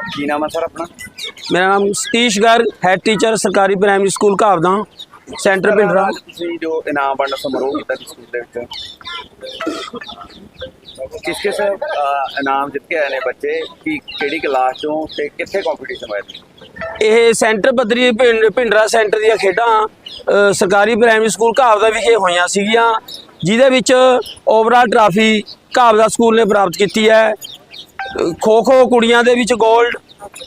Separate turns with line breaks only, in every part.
ਕੀ ਨਾਮ ਹੈ ਸਰ ਆਪਣਾ?
मेरा नाम सतीश गर्ग, हैड टीचर सरकारी primary school Ghavda, centre Pindra.
ਤੁਸੀਂ ਜੋ ਇਨਾਮ ਵੰਡ ਸਮਾਰੋਹ ਕੀਤਾ ਸੀ ਸਕੂਲ ਦੇ ਵਿੱਚ, ਕਿਸ ਇਨਾਮ ਜਿੱਤ ਕੇ ਆਏ ਨੇ ਬੱਚੇ, ਕੀ ਕਿਹੜੀ ਕਲਾਸ ਚੋਂ ਤੇ ਕਿੱਥੇ ਕੰਪੀਟੀਸ਼ਨ ਹੋਇਆ ਸੀ?
ਇਹ ਸੈਂਟਰ ਪੱਧਰੀ ਪਿੰਡਰਾ ਸੈਂਟਰ ਦੀਆਂ ਖੇਡਾਂ ਸਰਕਾਰੀ ਪ੍ਰਾਇਮਰੀ ਸਕੂਲ ਘਾਵਦਾ ਵਿਖੇ ਹੋਈਆਂ ਸੀਗੀਆਂ, ਜਿਹਦੇ ਵਿੱਚ ਓਵਰਆਲ ਟਰਾਫੀ ਘਾਵਦਾ ਸਕੂਲ ਨੇ ਪ੍ਰਾਪਤ ਕੀਤੀ ਹੈ। ਖੋ ਖੋ ਕੁੜੀਆਂ ਦੇ ਵਿੱਚ ਗੋਲਡ,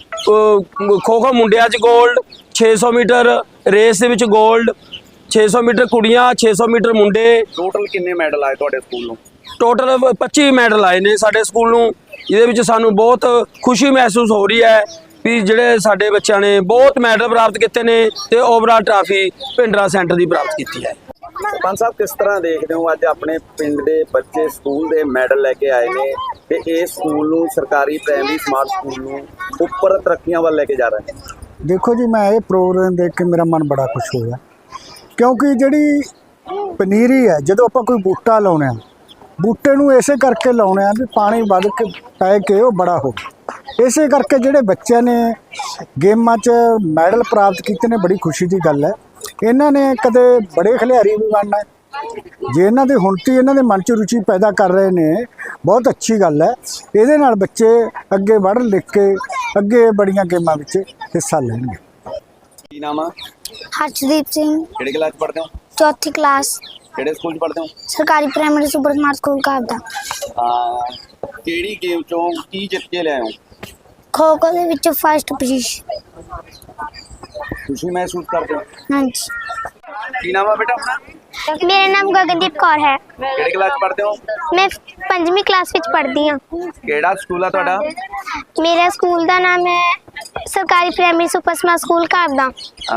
ਖੋ ਖੋ ਮੁੰਡਿਆਂ 'ਚ ਗੋਲਡ, 600 ਮੀਟਰ ਰੇਸ ਦੇ ਵਿੱਚ ਗੋਲਡ, 600 ਮੀਟਰ ਕੁੜੀਆਂ, 600 ਮੀਟਰ ਮੁੰਡੇ।
ਟੋਟਲ ਕਿੰਨੇ ਮੈਡਲ ਆਏ ਤੁਹਾਡੇ ਸਕੂਲ ਨੂੰ?
ਟੋਟਲ 25 ਮੈਡਲ ਆਏ ਨੇ ਸਾਡੇ ਸਕੂਲ ਨੂੰ। ਇਹਦੇ ਵਿੱਚ ਸਾਨੂੰ ਬਹੁਤ ਖੁਸ਼ੀ ਮਹਿਸੂਸ ਹੋ ਰਹੀ ਹੈ ਵੀ ਜਿਹੜੇ ਸਾਡੇ ਬੱਚਿਆਂ ਨੇ ਬਹੁਤ ਮੈਡਲ ਪ੍ਰਾਪਤ ਕੀਤੇ ਨੇ ਤੇ ਓਵਰਆਲ ਟਰਾਫੀ ਪਿੰਡਰਾ ਸੈਂਟਰ ਦੀ ਪ੍ਰਾਪਤ ਕੀਤੀ ਹੈ।
ਸਰਪੰਚ ਸਾਹਿਬ, ਕਿਸ ਤਰ੍ਹਾਂ ਦੇਖਦੇ ਹੋ ਅੱਜ ਆਪਣੇ ਪਿੰਡ ਦੇ ਬੱਚੇ ਸਕੂਲ ਦੇ ਮੈਡਲ ਲੈ ਕੇ ਆਏ ਨੇ ਤੇ ਇਸ ਸਕੂਲ ਨੂੰ ਸਰਕਾਰੀ ਪ੍ਰਾਇਮਰੀ ਸਮਾਰਟ ਸਕੂਲ ਨੂੰ ਉੱਪਰ ਤਰੱਕੀਆਂ ਵੱਲ ਲੈ ਕੇ ਜਾ ਰਹੇ ਨੇ?
देखो जी, मैं ये प्रोग्राम देख के मेरा मन बड़ा खुश होया, क्योंकि जिहड़ी पनीरी है जदों आपां कोई बूटा लाउने बूटे नूं इसे करके लाउने भी पानी वध के पै के वो बड़ा हो। इसे करके जिहड़े बच्चे ने गेमां च मैडल प्राप्त कीते ने, बड़ी खुशी की गल है। इन्हां ने कदे बड़े खिलाड़ी भी बनना है, जे इन्हां दे हुण ती इन्हां दे मन च रुचि पैदा कर रहे ने, बहुत अच्छी गल है। इहदे नाल बच्चे अगे बढ़ लिख के अगे बड़ियां गेमां विच हिस्सा लैणगे।
ਕੀ ਨਾਮ ਆ?
हर्षदीप सिंह,
ਕਿਹੜੀ ਕਲਾਸ ਪੜ੍ਹਦੇ ਹੋ?
चौथी क्लास,
ਕਿਹੜੇ ਸਕੂਲ 'ਚ ਪੜ੍ਹਦੇ ਹੋ?
सरकारी primary super smart school Ghavda.
ਕਿਹੜੀ ਗੇਮ ਚੋਂ ਕੀ ਜਿੱਤ ਕੇ ਲਿਆਏ ਹੋ?
खो खो ਦੇ ਵਿੱਚ फर्स्ट पोजीशन।
ਖੁਸ਼ੀ ਮਹਿਸੂਸ ਕਰਦੇ ਹੋ?
हाँ जी।
ਕੀ ਨਾਮ ਆ ਬੇਟਾ ਆਪਣਾ?
मेरा नाम गगनदीप कौर है।
ਕਿਹੜੀ ਕਲਾਸ 'ਚ ਪੜ੍ਹਦੇ ਹੋ?
मैं 5वीं क्लास ਵਿੱਚ ਪੜ੍ਹਦੀ ਹਾਂ।
ਕਿਹੜਾ ਸਕੂਲ ਆ ਤੁਹਾਡਾ?
मेरा स्कूल ਦਾ ਨਾਮ ਹੈ ਸਰਕਾਰੀ primary super smart school Ghavda.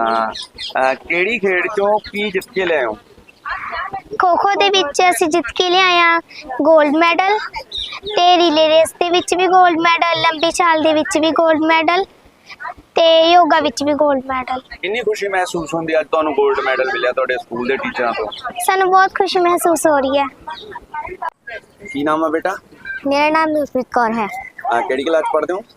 ਕਿਹੜੀ ਖੇਡ ਚੋਂ ਕੀ ਜਿੱਤ ਕੇ ਲਿਆਏ ਹੋ?
ਖੋ ਖੋ ਦੇ ਵਿੱਚ ਅਸੀਂ ਜਿੱਤ ਕੇ ਲਿਆਏ ਹਾਂ 골ਡ ਮੈਡਲ, ਤੇ ਰੀਲੇ ਰੇਸ ਦੇ ਵਿੱਚ ਵੀ 골ਡ ਮੈਡਲ, ਲੰਬੀ ਛਾਲ ਦੇ ਵਿੱਚ ਵੀ 골ਡ ਮੈਡਲ, ਤੇ ਯੋਗਾ ਵਿੱਚ ਵੀ 골ਡ ਮੈਡਲ।
ਕਿੰਨੀ ਖੁਸ਼ੀ ਮਹਿਸੂਸ ਹੁੰਦੀ ਅੱਜ ਤੁਹਾਨੂੰ 골ਡ ਮੈਡਲ ਮਿਲਿਆ ਤੁਹਾਡੇ ਸਕੂਲ ਦੇ ਟੀਚਰਾਂ ਤੋਂ?
ਸਾਨੂੰ ਬਹੁਤ ਖੁਸ਼ੀ ਮਹਿਸੂਸ ਹੋ ਰਹੀ ਹੈ।
ਕੀ ਨਾਮ ਆ ਬੇਟਾ?
ਮੇਰਾ ਨਾਮ ਨੂਰਪ੍ਰੀਤ ਕੌਰ ਹੈ।
ਕਿਹੜੀ ਕਲਾਸ ਪੜ੍ਹਦੇ ਹੋ?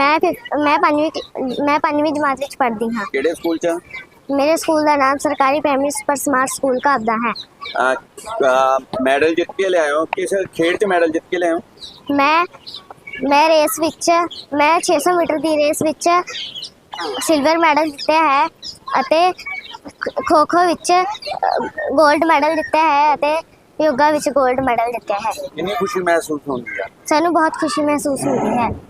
ਮੈਂ ਪੰਜਵੀਂ ਜਮਾਤ ਵਿੱਚ ਪੜ੍ਹਦੀ ਹਾਂ।
ਕਿਹੜੇ ਸਕੂਲ 'ਚ?
ਮੇਰੇ ਸਕੂਲ ਦਾ ਨਾਮ ਸਰਕਾਰੀ primary super smart school Ghavda ਹੈ।
ਮੈਡਲ ਜਿੱਤ ਕੇ ਲਿਆਏ ਹੋ? ਕਿਸ ਖੇਡ 'ਚ ਮੈਡਲ ਜਿੱਤ ਕੇ ਲਿਆਏ ਹੋ?
ਮੈਂ ਰੇਸ ਵਿੱਚ, ਮੈਂ 600 ਮੀਟਰ ਦੀ ਰੇਸ ਵਿੱਚ ਸਿਲਵਰ ਮੈਡਲ ਜਿੱਤਿਆ ਹੈ ਅਤੇ ਖੋ ਖੋ ਵਿੱਚ 골ਡ ਮੈਡਲ ਜਿੱਤਿਆ ਹੈ ਅਤੇ ਯੋਗਾ ਵਿੱਚ 골ਡ ਮੈਡਲ ਜਿੱਤਿਆ ਹੈ।
ਕਿੰਨੀ ਖੁਸ਼ੀ ਮਹਿਸੂਸ ਹੁੰਦੀ ਆ?
ਸਾਨੂੰ ਬਹੁਤ ਖੁਸ਼ੀ ਮਹਿਸੂਸ ਹੁੰਦੀ ਹੈ।